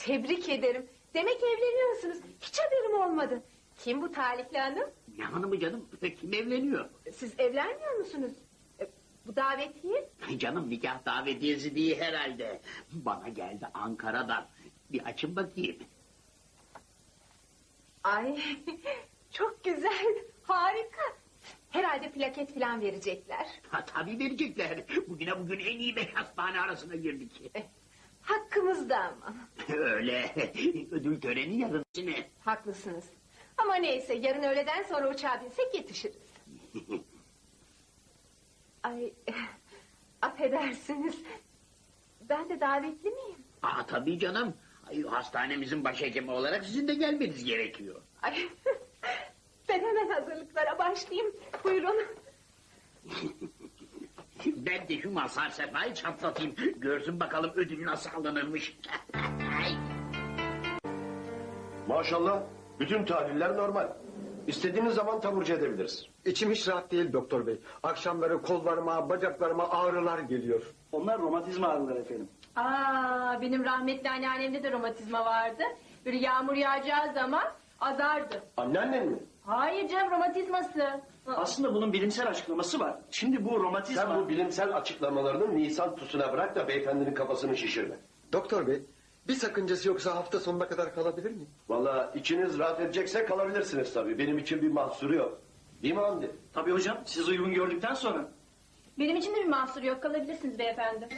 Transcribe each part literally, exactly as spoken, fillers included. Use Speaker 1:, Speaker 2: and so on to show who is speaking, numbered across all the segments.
Speaker 1: tebrik ederim. Demek evleniyorsunuz. Hiç haberim olmadı. Kim bu talihli hanım?
Speaker 2: Ne hanımı canım? Kim evleniyor?
Speaker 1: Siz evlenmiyor musunuz? E, bu davetiye?
Speaker 2: Canım nikah davetiyesi değil herhalde. Bana geldi Ankara'dan. Bir açın bakayım.
Speaker 1: Ay çok güzel, harika. Herhalde plaket falan verecekler.
Speaker 2: Ha, tabii verecekler. Bugüne bugün en iyi beş hastane arasına girdik.
Speaker 1: Eh, hakkımızda ama.
Speaker 2: Öyle. Ödül töreni yarın. Ne?
Speaker 1: Haklısınız. Ama neyse yarın öğleden sonra uçağa binsek yetişiriz. Ay eh, affedersiniz. Ben de davetli miyim?
Speaker 2: Aa, tabii canım. Ay, hastanemizin başhekimi olarak sizin de gelmeniz gerekiyor.
Speaker 1: Ay, ben hemen hazırlıklara başlayayım. Buyurun.
Speaker 2: Ben de şu Mazhar Sefa'yı çatlatayım. Görsün bakalım ödül nasıl alınırmış.
Speaker 3: Maşallah bütün tahliller normal. İstediğiniz zaman taburcu edebiliriz.
Speaker 4: İçim hiç rahat değil doktor bey. Akşamları kollarıma, bacaklarıma ağrılar geliyor.
Speaker 5: Onlar romatizma ağrıları efendim.
Speaker 1: Aa, benim rahmetli anneannemde de romatizma vardı. Böyle yağmur yağacağı zaman azardı.
Speaker 3: Anneannen mi?
Speaker 1: Hayır canım, romatizması.
Speaker 5: Aslında bunun bilimsel açıklaması var. Şimdi bu romatizma...
Speaker 3: Sen bu bilimsel açıklamalarını Nisan tusuna bırak da beyefendinin kafasını şişirme.
Speaker 4: Doktor bey, bir sakıncası yoksa hafta sonuna kadar kalabilir miyim?
Speaker 3: Vallahi içiniz rahat edecekse kalabilirsiniz tabii. Benim için bir mahsuru yok. Değil mi Hamdi?
Speaker 5: Tabii hocam, siz uygun gördükten sonra.
Speaker 1: Benim için de bir mahsur yok, kalabilirsiniz beyefendi.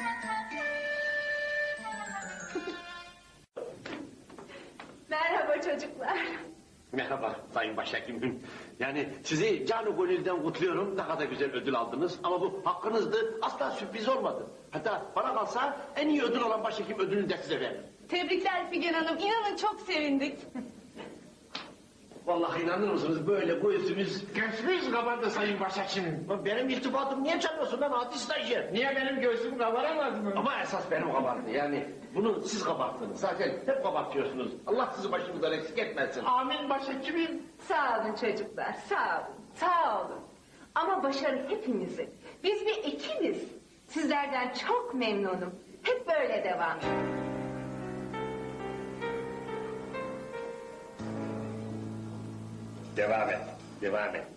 Speaker 1: Merhaba çocuklar.
Speaker 6: Merhaba Sayın Başhekimim. Yani sizi canı gönülden kutluyorum. Ne kadar güzel ödül aldınız. Ama bu hakkınızdı. Asla sürpriz olmadı. Hatta bana kalsa en iyi ödül olan başhekim ödülünü de size veririm.
Speaker 1: Tebrikler Figen Hanım, inanın çok sevindik.
Speaker 6: Vallahi inanır mısınız böyle göğsümüz...
Speaker 7: Göğsümüz kabardı Sayın Başhekimim.
Speaker 6: Benim irtibatım niye çalıyorsun lan hadi stajyer?
Speaker 7: Niye benim göğsüm kabaramaz mı?
Speaker 6: Ama esas benim kabarttı. Yani bunu siz kabarttınız. Zaten hep kabartıyorsunuz. Allah sizi başımızdan eksik etmesin.
Speaker 7: Amin Başhekimim.
Speaker 1: Sağ olun çocuklar, sağ olun, sağ olun. Ama başarı hepimizin. Biz bir ekibiz. Sizlerden çok memnunum. Hep böyle devam edin.
Speaker 6: Devam et. Devam et.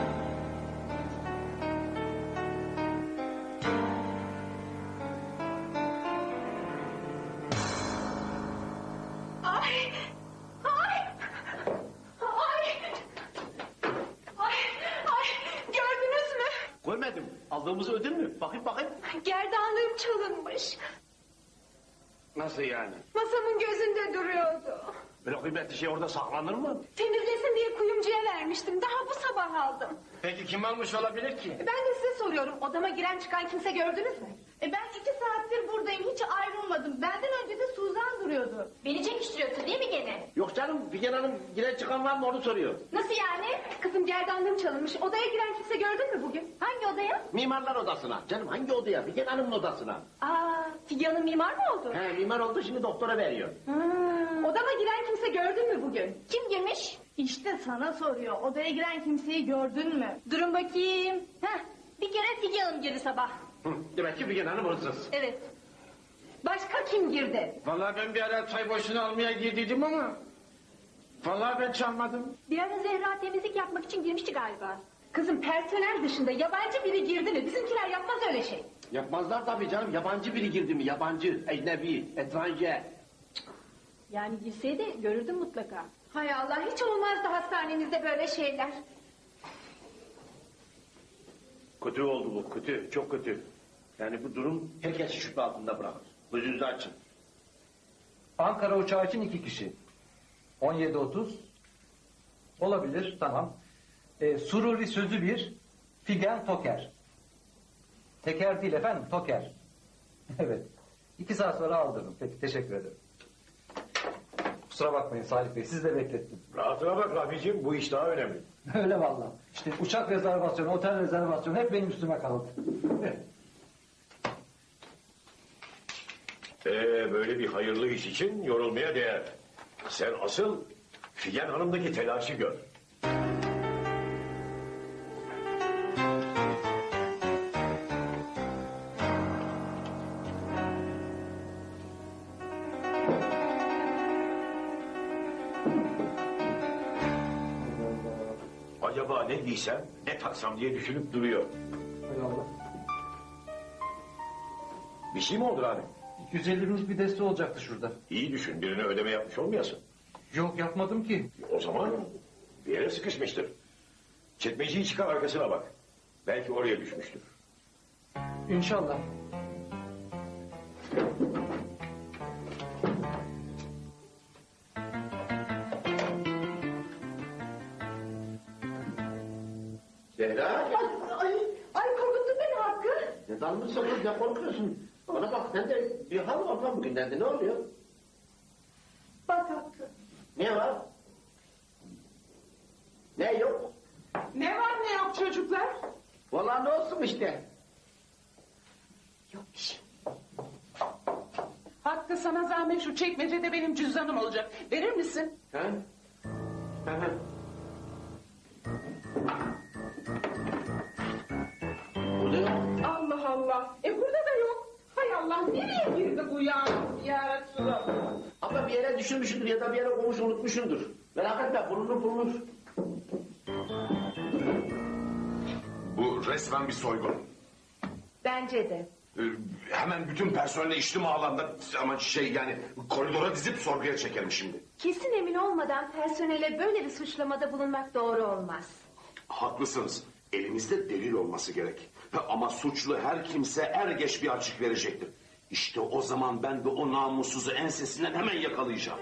Speaker 1: Ay! Ay! Ay! Ay! Ay! Gördünüz mü?
Speaker 6: Görmedim. Aldığımız ödül mü? Bakayım bakayım.
Speaker 1: Gerdanlığım çalınmış.
Speaker 6: Nasıl yani?
Speaker 1: Masamın gözünde duruyordu.
Speaker 6: Böyle kıymetli şey orada saklanır mı?
Speaker 1: Temizlesin diye kuyumcuya vermiştim. Daha bu sabah aldım.
Speaker 7: Peki kim almış olabilir ki?
Speaker 1: Ben de size soruyorum. Odama giren çıkan kimse gördünüz mü?
Speaker 8: E ben iki saattir buradayım, hiç ayrılmadım. Benden önce de Suzan duruyordu.
Speaker 1: Beni çekiştiriyorsun değil mi gene?
Speaker 6: Yok canım Figen Hanım giren çıkan var mı onu soruyor.
Speaker 1: Nasıl yani? Kızım gerdanlığım çalınmış. Odaya giren kimse gördün mü bugün? Hangi odaya?
Speaker 6: Mimarlar odasına. Canım hangi odaya? Figen Hanım'ın odasına.
Speaker 1: Aa, Figen Hanım mimar mı oldu?
Speaker 6: He mimar oldu şimdi doktora veriyor.
Speaker 1: Hmm. Odama giren kimse gördün mü bugün?
Speaker 8: Kim girmiş? İşte sana soruyor. Odaya giren kimseyi gördün mü?
Speaker 1: Durun bakayım.
Speaker 8: Heh, bir kere Figen Hanım girdi sabah.
Speaker 6: Hı, demek ki Figen Hanım hırsız.
Speaker 1: Evet. Başka kim girdi?
Speaker 7: Vallahi ben bir ara çay boşuna almaya girdiydim ama... Vallahi ben çalmadım.
Speaker 1: Bir ara Zehra temizlik yapmak için girmişti galiba. Kızım personel dışında yabancı biri girdi mi? Bizimkiler yapmaz öyle şey.
Speaker 6: Yapmazlar tabii canım. Yabancı biri girdi mi? Yabancı, ecnebi, etranje.
Speaker 8: Yani girseydi görürdün mutlaka.
Speaker 1: Hay Allah, hiç olmazdı hastanemizde böyle şeyler.
Speaker 6: Kötü oldu bu, kötü, çok kötü. Yani bu durum herkesi şüphe altında bırakır. Gözünüzü açın.
Speaker 9: Ankara uçağı için iki kişi. on yedi otuz. Olabilir, tamam. Ee, Sururi sözü bir, Figen Toker. Teker değil efendim, Toker. Evet. İki saat sonra aldırdım. Peki, teşekkür ederim. Kusura bakmayın Salih Bey, sizi de beklettim.
Speaker 3: Rahatına bak Rafi'ciğim, bu iş daha önemli.
Speaker 9: Öyle vallahi. İşte uçak rezervasyonu, otel rezervasyonu hep benim üstüme kaldı.
Speaker 3: Ee, böyle bir hayırlı iş için yorulmaya değer. Sen asıl Figen Hanım'daki telaşı gör. acaba ne giysem, ne taksam diye düşünüp duruyor.
Speaker 9: Hay Allah.
Speaker 3: Bir şey mi oldu abi?
Speaker 9: iki yüz elli binlik bir deste olacaktı şurada.
Speaker 3: İyi düşün, birine ödeme yapmış olmayasın.
Speaker 9: Yok yapmadım ki.
Speaker 3: O zaman bir yere sıkışmıştır. Çekmeceyi çıkar, arkasına bak. Belki oraya düşmüştür.
Speaker 9: İnşallah.
Speaker 6: Zehra.
Speaker 8: Ay, ay, ay korkuttun beni Hakkı.
Speaker 6: Ne dalmışsın kız, ne korkuyorsun? Bana bak, sen de bir hal var lan bugünlerde, ne oluyor?
Speaker 8: Bak Hakkı.
Speaker 6: Ne var? Ne yok?
Speaker 1: Ne var ne yok çocuklar?
Speaker 6: Vallahi ne olsun işte.
Speaker 1: Yok bir şey. Hakkı sana zahmet şu çekmecede benim cüzdanım olacak. Verir misin?
Speaker 6: Ha? Hı hı. Bu ne yok?
Speaker 1: Allah Allah. E burada da yok. Hay Allah nereye girdi bu ya? Ya Resulallah.
Speaker 6: Ama bir yere düşürmüşsündür ya da bir yere koymuş unutmuşsundur. Merak etme, bulunur bulunur.
Speaker 10: Bu resmen bir soygun.
Speaker 1: Bence de.
Speaker 10: Ee, hemen bütün personeli içtim alanda ama şey yani koridora dizip sorguya çekerim şimdi.
Speaker 1: Kesin emin olmadan personele böyle bir suçlamada bulunmak doğru olmaz.
Speaker 10: Haklısınız. Elimizde delil olması gerek. Ama suçlu her kimse er geç bir açık verecektir. İşte o zaman ben de o namussuzu ensesinden hemen yakalayacağım.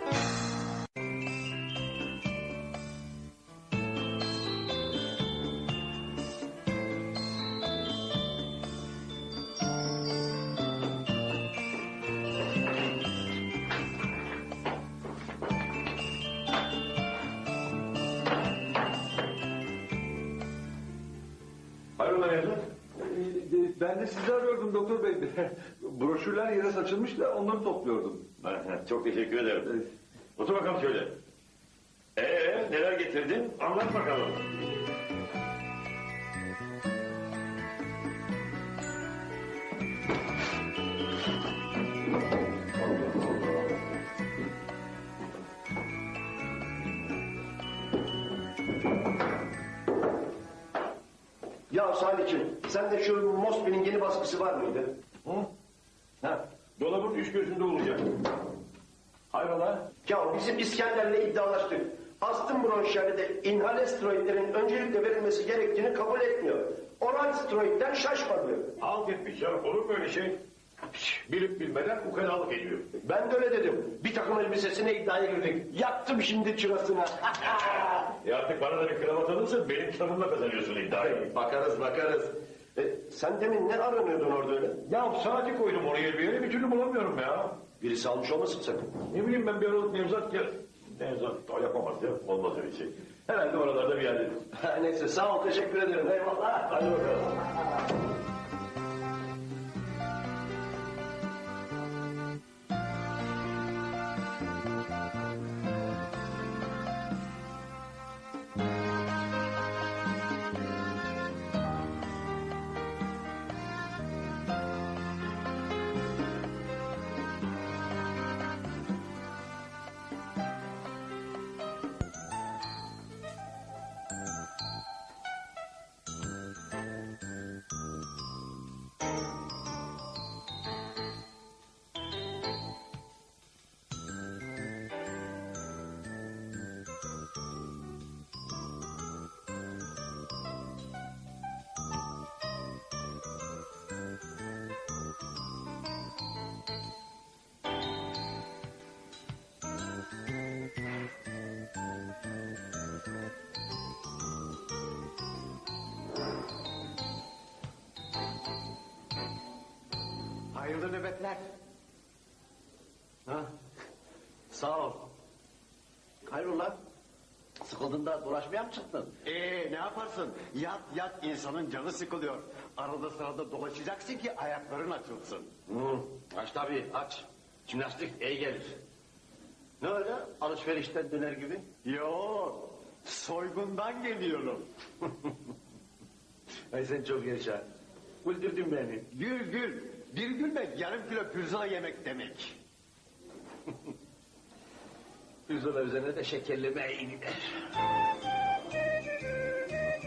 Speaker 3: Hayrola evlat?
Speaker 4: Ee, Ben de sizi arıyordum doktor bey. Broşürler yere saçılmış da onları topluyordum.
Speaker 3: Çok teşekkür ederim. Otur bakalım şöyle. Ee, neler getirdin? Anlat bakalım.
Speaker 6: Ya Salih'cim, sende şu Mosby'nin yeni baskısı var mıydı?
Speaker 3: Hı? Ha, dolabın üç gözünde olacak. Hayrola?
Speaker 6: Ya bizim İskender'le iddialaştık. Astım bronşiyeri de inhale steroidlerin öncelikle verilmesi gerektiğini kabul etmiyor. Oral steroidden şaşmadı.
Speaker 3: Halt etmiş ya. Olur mu öyle şey? Bilip bilmeden ukalalık ediyor.
Speaker 6: Ben de öyle dedim. Bir takım elbisesine iddiaya girdik. Yaktım şimdi çırasına.
Speaker 3: E artık bana da bir kravat alırsın, benim kitabımla kazanıyorsun iddiayı.
Speaker 6: Bakarız bakarız. E, sen demin ne aranıyordun orada öyle?
Speaker 3: Ya saati koydum oraya bir yere, bir türlü bulamıyorum ya.
Speaker 6: Birisi almış olmasın sakın.
Speaker 3: Ne bileyim ben bir aralık Nevzat gel. Nevzat da yapamaz ya, olmaz öyle şey. Herhalde oralarda bir yerde.
Speaker 6: Neyse sağ ol, teşekkür ederim. Eyvallah.
Speaker 3: Hadi bakalım.
Speaker 6: Hayırlı nöbetler. Ha? Sağ ol. Hayrola? Sıkıldığında dolaşmaya mı çıktın?
Speaker 11: Ee ne yaparsın? Yat yat insanın canı sıkılıyor. Arada sırada dolaşacaksın ki ayakların açılsın.
Speaker 6: Hı, aç tabii aç. Jimnastik iyi gelir. Ne öyle? Alışverişten döner gibi.
Speaker 11: Yo, soygundan geliyorum.
Speaker 6: Ay sen çok yaşa. Güldürdün beni.
Speaker 11: Gül gül. Bir gülmek yarım kilo pirzola yemek demek.
Speaker 6: Pirzola üzerine de şekerleme iyi gider.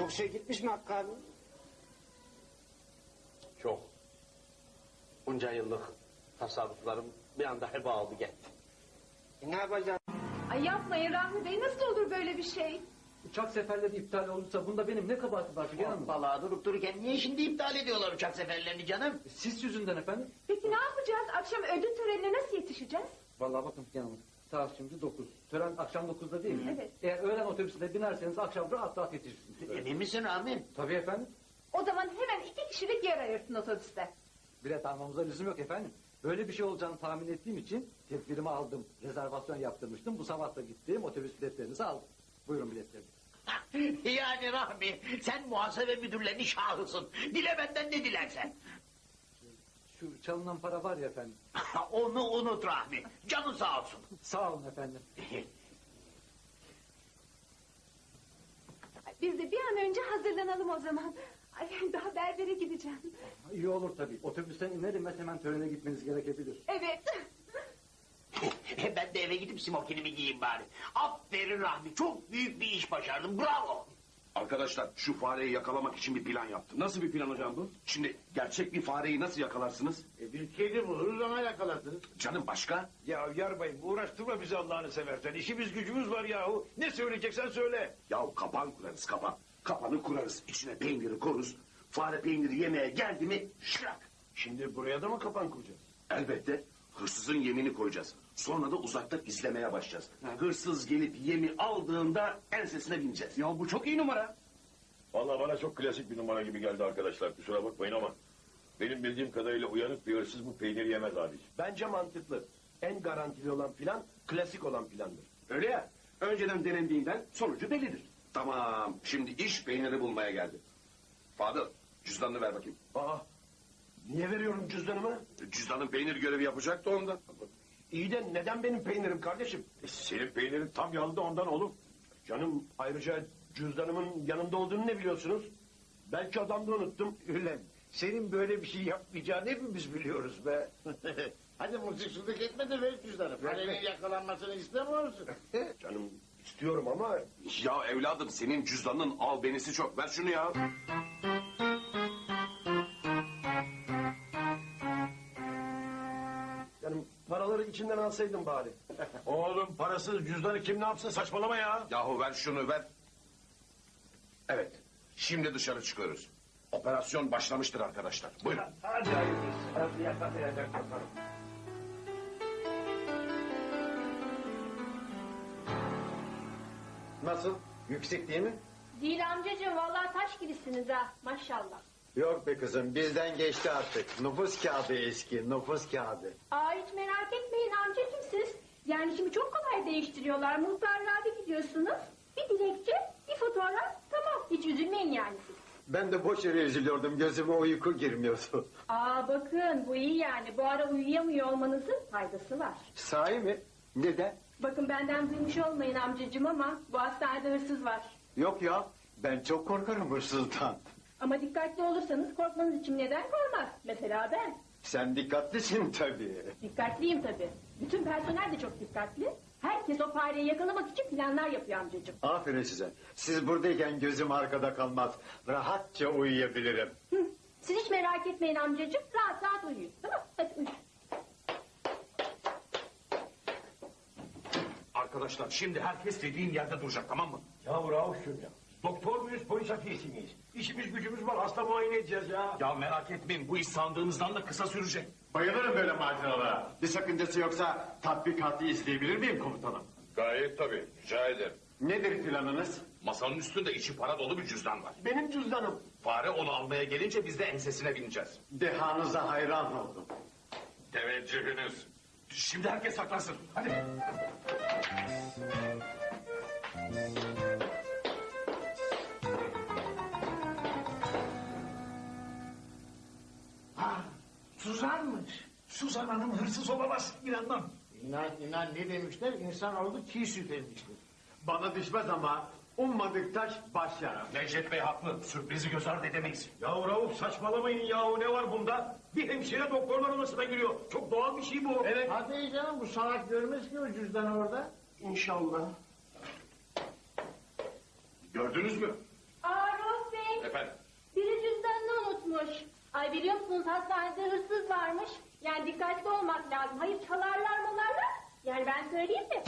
Speaker 7: Çok şey gitmiş mi Hakkı abi?
Speaker 6: Çok. Bunca yıllık tasarruflarım bir anda heba oldu gitti.
Speaker 7: E ne yapacağız?
Speaker 1: Ay yapmayın Rahmi Bey, nasıl olur böyle bir şey?
Speaker 9: Uçak seferleri iptal olursa bunda benim ne kabahatim var Figen Hanım?
Speaker 2: Vallahi durup dururken niye şimdi iptal ediyorlar uçak seferlerini canım?
Speaker 9: Siz yüzünden efendim.
Speaker 1: Peki ne yapacağız? Akşam ödül törenine nasıl yetişeceğiz?
Speaker 9: Vallahi bakın Figen Hanım. Saat şimdi dokuz. Tören akşam dokuzda değil mi?
Speaker 1: Evet.
Speaker 9: Eğer öğlen otobüsüne binerseniz akşam rahat rahat yetişirsiniz.
Speaker 2: Emin misin Rahmi?
Speaker 9: Tabii efendim.
Speaker 1: O zaman hemen iki kişilik yer ayırsın otobüste.
Speaker 9: Bilet almamıza lüzum yok efendim. Böyle bir şey olacağını tahmin ettiğim için tedbirimi aldım. Rezervasyon yaptırmıştım. Bu sabah da gittim. Otobüs biletlerinizi aldım. Buyurun biletlerinizi.
Speaker 2: Yani Rahmi sen muhasebe müdürlerinin şahısın. Dile benden ne dilersen.
Speaker 9: Şu çalınan para var ya efendim.
Speaker 2: Onu unut Rahmi. Canın sağ olsun.
Speaker 9: Sağ olun efendim.
Speaker 1: Biz de bir an önce hazırlanalım o zaman. Ay daha berbere gideceğim.
Speaker 9: İyi olur tabii. Otobüsten inerim ve hemen törene gitmeniz gerekebilir.
Speaker 1: Evet.
Speaker 2: Ben de eve gidip smokinimi giyeyim bari. Aferin Rahmi. Çok büyük bir iş başardın. Bravo.
Speaker 10: Arkadaşlar şu fareyi yakalamak için bir plan yaptım.
Speaker 6: Nasıl bir plan hocam bu?
Speaker 10: Şimdi gerçek bir fareyi nasıl yakalarsınız?
Speaker 7: E bir kedi buluruz ona yakalarsınız.
Speaker 10: Canım başka?
Speaker 3: Ya Yarbayım uğraştırma bizi Allah'ını seversen. İşimiz gücümüz var yahu. Ne söyleyeceksen söyle.
Speaker 10: Ya kapan kurarız kapan. Kapanı kurarız. İçine peyniri koruz. Fare peyniri yemeye geldi mi şırak.
Speaker 3: Şimdi buraya da mı kapan kuracağız?
Speaker 10: Elbette hırsızın yemini koyacağız. Sonra da uzaktan izlemeye başlayacağız. Hırsız gelip yemi aldığında ensesine bineceğiz.
Speaker 6: Ya bu çok iyi numara.
Speaker 3: Vallahi bana çok klasik bir numara gibi geldi arkadaşlar. Kusura bakmayın ama benim bildiğim kadarıyla uyanık bir hırsız bu peyniri yemez abi. Bence mantıklı. En garantili olan plan klasik olan plandır.
Speaker 10: Öyle ya. Önceden denendiğinden sonucu bellidir. Tamam. Şimdi iş peyniri bulmaya geldi. Fadıl cüzdanını ver bakayım.
Speaker 3: Aa, niye veriyorum cüzdanımı?
Speaker 10: Cüzdanın peynir görevi yapacaktı ondan.
Speaker 3: İyi de neden benim peynirim kardeşim? E, senin peynirin tam yanında ondan oğlum. Canım ayrıca cüzdanımın yanında olduğunu ne biliyorsunuz? Belki adamda unuttum.
Speaker 7: Ulan senin böyle bir şey yapmayacağını hepimiz biliyoruz be. Hadi mızıksızlık etme de ver cüzdanı. Farenin yakalanmasını istemiyor musun?
Speaker 3: Canım istiyorum ama
Speaker 10: Ya evladım senin cüzdanın albenisi çok. Ver şunu ya.
Speaker 3: canım paraları içinden alsaydın bari. Oğlum parasız cüzdanı kim ne yapsın saçmalama ya.
Speaker 10: Yahu ver şunu ver. Evet. Şimdi dışarı çıkıyoruz. Operasyon başlamıştır arkadaşlar. Buyurun.
Speaker 3: Hadi hayırlısı. Hadi yakalayacak bakalım.
Speaker 11: Nasıl? Yüksek değil mi?
Speaker 8: Değil amcacığım vallahi taş gibisiniz ha maşallah.
Speaker 11: Yok be kızım bizden geçti artık. Nüfus kağıdı eski nüfus kağıdı.
Speaker 8: Aa hiç merak etmeyin amcacığım siz. Yani şimdi çok kolay değiştiriyorlar. Muhtarlığa bir gidiyorsunuz. Bir dilekçe, bir fotoğraf tamam. Hiç üzülmeyin yani siz.
Speaker 11: Ben de boş yere üzülüyordum gözüme uyku girmiyordu.
Speaker 8: Aa bakın bu iyi yani. Bu ara uyuyamıyor olmanızın faydası var.
Speaker 11: Sahi mi? Neden?
Speaker 8: Bakın benden duymuş olmayın amcacığım ama bu hastanede hırsız var.
Speaker 11: Yok ya ben çok korkarım hırsızdan.
Speaker 8: Ama dikkatli olursanız korkmanız için neden korkmaz? Mesela ben.
Speaker 11: Sen dikkatlisin tabii.
Speaker 8: Dikkatliyim tabii. Bütün personel de çok dikkatli. Herkes o fareyi yakalamak için planlar yapıyor amcacığım.
Speaker 11: Aferin size. Siz buradayken gözüm arkada kalmaz. Rahatça uyuyabilirim.
Speaker 8: Hı. Siz hiç merak etmeyin amcacığım. Rahat rahat uyuyun. Tamam hadi uyuyun.
Speaker 10: Arkadaşlar şimdi herkes dediğin yerde duracak tamam mı?
Speaker 3: Ya Rauf'cum ya. Doktor muyuz polis hafiyesi miyiz? İşimiz gücümüz var hasta muayene edeceğiz ya.
Speaker 10: Ya merak etmeyin bu iş sandığımızdan da kısa sürecek.
Speaker 11: Bayılırım böyle maceralara. Bir sakıncası yoksa tatbikatı izleyebilir miyim komutanım?
Speaker 3: Gayet tabii rica ederim.
Speaker 11: Nedir planınız?
Speaker 10: Masanın üstünde içi para dolu bir cüzdan var.
Speaker 3: Benim cüzdanım.
Speaker 10: Fare onu almaya gelince biz de ensesine bineceğiz.
Speaker 11: Dehanıza hayran oldum.
Speaker 10: Teveccühünüz. Şimdi herkes saklansın. Hadi.
Speaker 7: Ha, Suzan'mış. Suzan Hanım hırsız olamaz inanmam. İnan inan ne demişler insan oldu çiğ süt emmiştir.
Speaker 11: Bana düşmez ama ummadık taş baş yarar.
Speaker 10: Necdet Bey haklı. Sürprizi göz ardı edemeyiz.
Speaker 3: Ya Rauf saçmalamayın yahu ne var bunda? Bir hemşire doktorlar odasına giriyor. Çok doğal bir şey bu. Evet.
Speaker 7: Hadi canım bu salak görmez ki o cüzdanı orada.
Speaker 3: İnşallah.
Speaker 10: Gördünüz mü?
Speaker 8: Aa Rauf
Speaker 3: Efendim?
Speaker 8: Biri cüzdanını unutmuş. Ay biliyor musunuz hastanede hırsız varmış. Yani dikkatli olmak lazım. Hayır çalarlar malarlar. Yani ben söyleyeyim mi?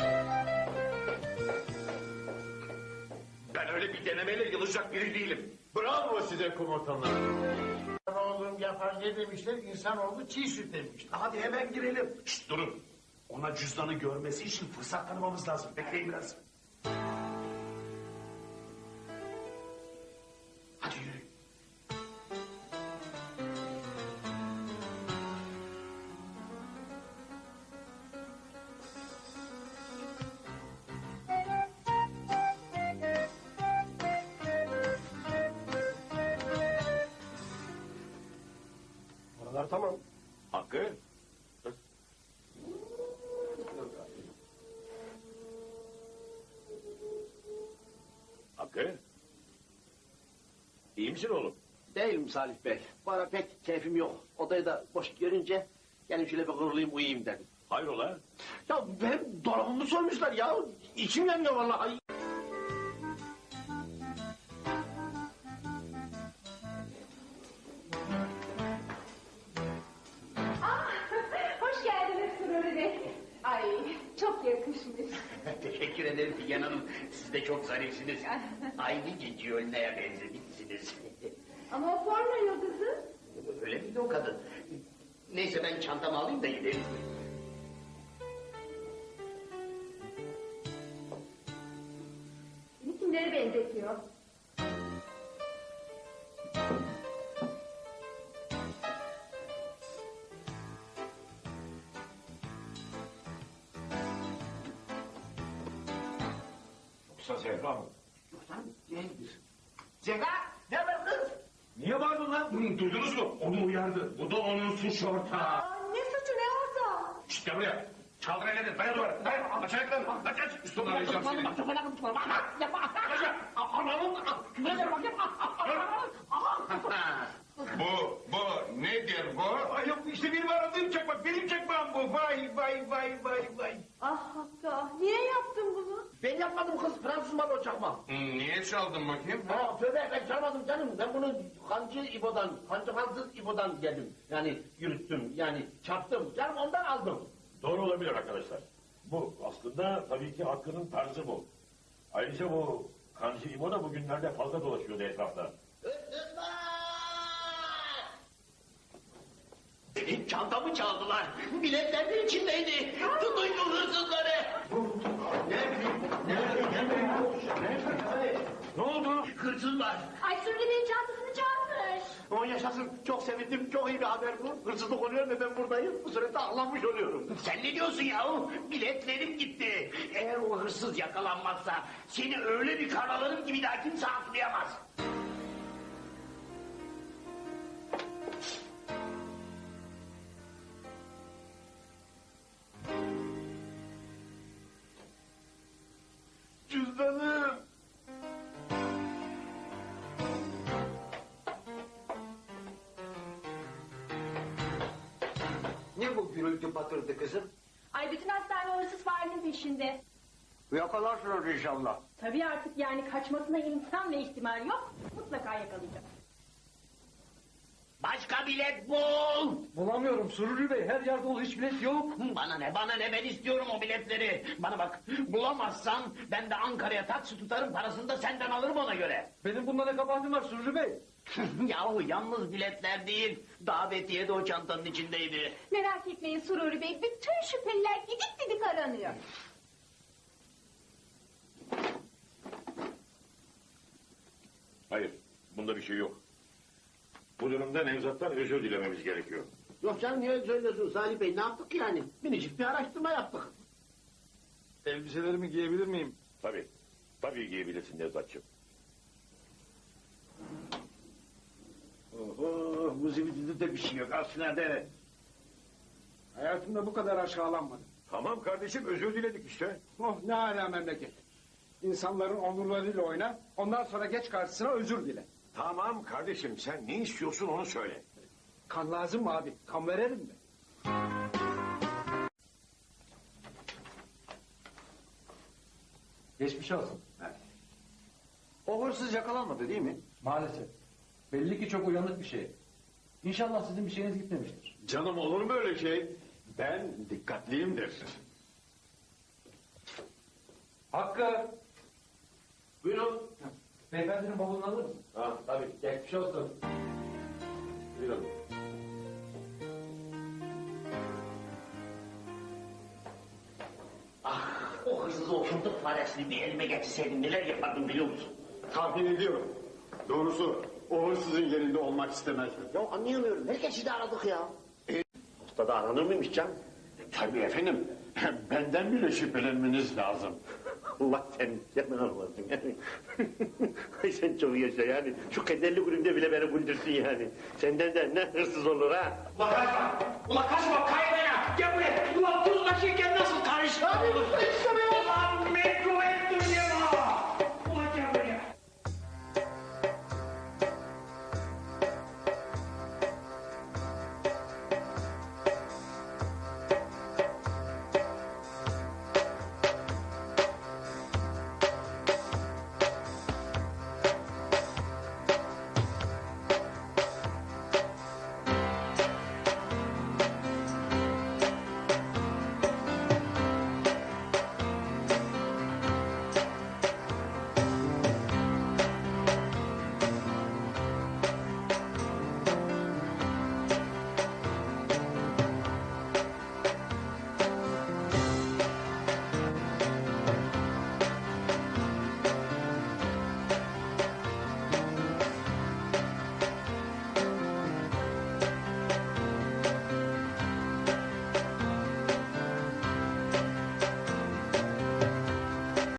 Speaker 3: Ben öyle bir denemeyle yılacak biri değilim.
Speaker 7: Bravo size komutanlar. Oğlum yapar ne demişler? İnsanoğlu çiğ süt demişler.
Speaker 6: Hadi hemen girelim. Şşt durun. Ona cüzdanı görmesi için fırsat tanımamız lazım. Bekleyin biraz. Hadi yürü.
Speaker 3: Paralar tamam. Hakkı? Hakkı? İyi misin oğlum?
Speaker 6: Değilim Salih Bey. Bu ara pek keyfim yok. Odayı da boş görünce gelin şöyle bir kırılayım uyuyayım dedim.
Speaker 3: Hayrola?
Speaker 6: Ya benim dolabımı soymuşlar ya. İçim yanıyor vallahi.
Speaker 1: Ah, hoş geldiniz Sururi Bey. Ay çok yakışmış.
Speaker 2: Teşekkür ederim Figen Hanım. Siz de çok zarifsiniz. Aynı Cici Ölü'ye benzemişsiniz.
Speaker 1: Ama o porno yıldızı.
Speaker 2: Öyle miydi o kadın? Neyse ben çantamı alayım da gidelim.
Speaker 1: Beni kimlere benzetiyor?
Speaker 3: Yoksa Zehra mı?
Speaker 2: Yoksa değildir. Zehra, ne haber kız?
Speaker 3: Niye bağırdın lan? Hı, duydunuz mu? Onu uyardı. Bu da onun suç ortağı.
Speaker 1: Aa, ne suçu ne orada?
Speaker 3: Şşt gel buraya. Çaldır ellerini. Dayan duvara. Dayan. Aç ayaklarını. Aç aç. Üstüne arayacağım seni.
Speaker 12: Bu, bu nedir bu?
Speaker 3: Ay yok işte benim aradığım çakmak. Benim çakmağım bu. Vay vay vay vay vay.
Speaker 1: Ah Hakkı ah, niye yaptın bunu?
Speaker 6: Ben yapmadım kız. Fransız malı o çakma.
Speaker 12: Hı, niye çaldın bakayım?
Speaker 6: Ha, tövbe ben çalmadım canım. Ben bunu kancı İbo'dan, kancı kansız İbo'dan geldim. Yani yürüttüm, yani çarptım. Canım ondan aldım.
Speaker 3: Doğru olabilir arkadaşlar. Bu aslında tabii ki Hakkı'nın tarzı bu. Ayrıca bu Kancı İbo da bugünlerde fazla dolaşıyordu etrafta.
Speaker 2: Benim çantamı çaldılar. Biletler de içindeydi. Tutun şu hırsızları.
Speaker 3: Ne oldu?
Speaker 2: Hırsız var.
Speaker 8: Ay Sururi Bey'in çantasını çalmış.
Speaker 6: O yaşasın. Çok sevindim. Çok iyi bir haber bu. Hırsızlık oluyor ve ben buradayım. Bu sürede ağlanmış oluyorum.
Speaker 2: Sen ne diyorsun yahu? Biletlerim gitti. Eğer o hırsız yakalanmazsa seni öyle bir karalarım ki bir daha kimse atlayamaz.
Speaker 6: Cüzdanım.
Speaker 11: Ne bu gürültü patırdı kızım?
Speaker 8: Ay bütün hastane o hırsız farenin peşinde.
Speaker 11: Yakalarsınız inşallah.
Speaker 8: Tabii artık yani kaçmasına imkan ve ihtimal yok. Mutlaka yakalayacak.
Speaker 2: Başka bilet bul.
Speaker 9: Bulamıyorum Sururi Bey. Her yerde ol hiç bilet yok.
Speaker 2: Bana ne bana ne ben istiyorum o biletleri. Bana bak bulamazsan ben de Ankara'ya taksi tutarım parasını da senden alırım ona göre.
Speaker 9: Benim bunda ne kabahatim var Sururi Bey?
Speaker 2: Yahu yalnız biletler değil davetiye de o çantanın içindeydi.
Speaker 1: Merak etmeyin Sururi Bey, bütün şüpheliler gidik didik aranıyor.
Speaker 3: Hayır. Bunda bir şey yok. Bu durumda Nevzat'tan özür dilememiz gerekiyor.
Speaker 6: Yok canım niye söylüyorsun Salih Bey? Ne yaptık ki yani? Minicik bir araştırma yaptık.
Speaker 4: Elbiselerimi giyebilir miyim?
Speaker 3: Tabii. Tabii giyebilirsin Nevzat'cığım.
Speaker 7: Oho, bu zibidide de bir şey yok. Aslında de. Hayatımda bu kadar aşağılanmadım.
Speaker 3: Tamam kardeşim özür diledik işte.
Speaker 7: Oh ne âlâ memleket. İnsanların onurlarıyla oyna, ondan sonra geç karşısına özür dile.
Speaker 3: Tamam kardeşim sen ne istiyorsun onu söyle.
Speaker 7: Kan lazım mı abi? Kan verelim mi?
Speaker 9: Geçmiş olsun.
Speaker 11: O hırsız yakalanmadı değil mi?
Speaker 9: Maalesef. Belli ki çok uyanık bir şey. İnşallah sizin bir şeyiniz gitmemiştir.
Speaker 11: Canım olur mu öyle şey? Ben dikkatliyimdir.
Speaker 9: Hakkı!
Speaker 3: Buyurun.
Speaker 9: Beyefendinin bavulunu alır mısın?
Speaker 3: Ha tabii.
Speaker 9: Geçmiş olsun.
Speaker 3: Buyurun.
Speaker 2: Ah, o hırsız o fındık faresini bir elime getirseydim neler yapardım biliyor musun?
Speaker 11: Tahmin ediyorum. Doğrusu o hırsızın yerinde olmak istemezdim.
Speaker 2: Ya anlayamıyorum. Herkesi de aradık ya. E, Usta da aranır mıymış can?
Speaker 11: Tabii efendim. Benden bile şüphelenmeniz lazım.
Speaker 2: Allah sen hemen anlarsın yani. Ay sen çok yaşa yani. Şu kederli günümde bile beni güldürsün yani. Senden de ne hırsız olur ha?
Speaker 6: Ula kaçma! Ula kaçma!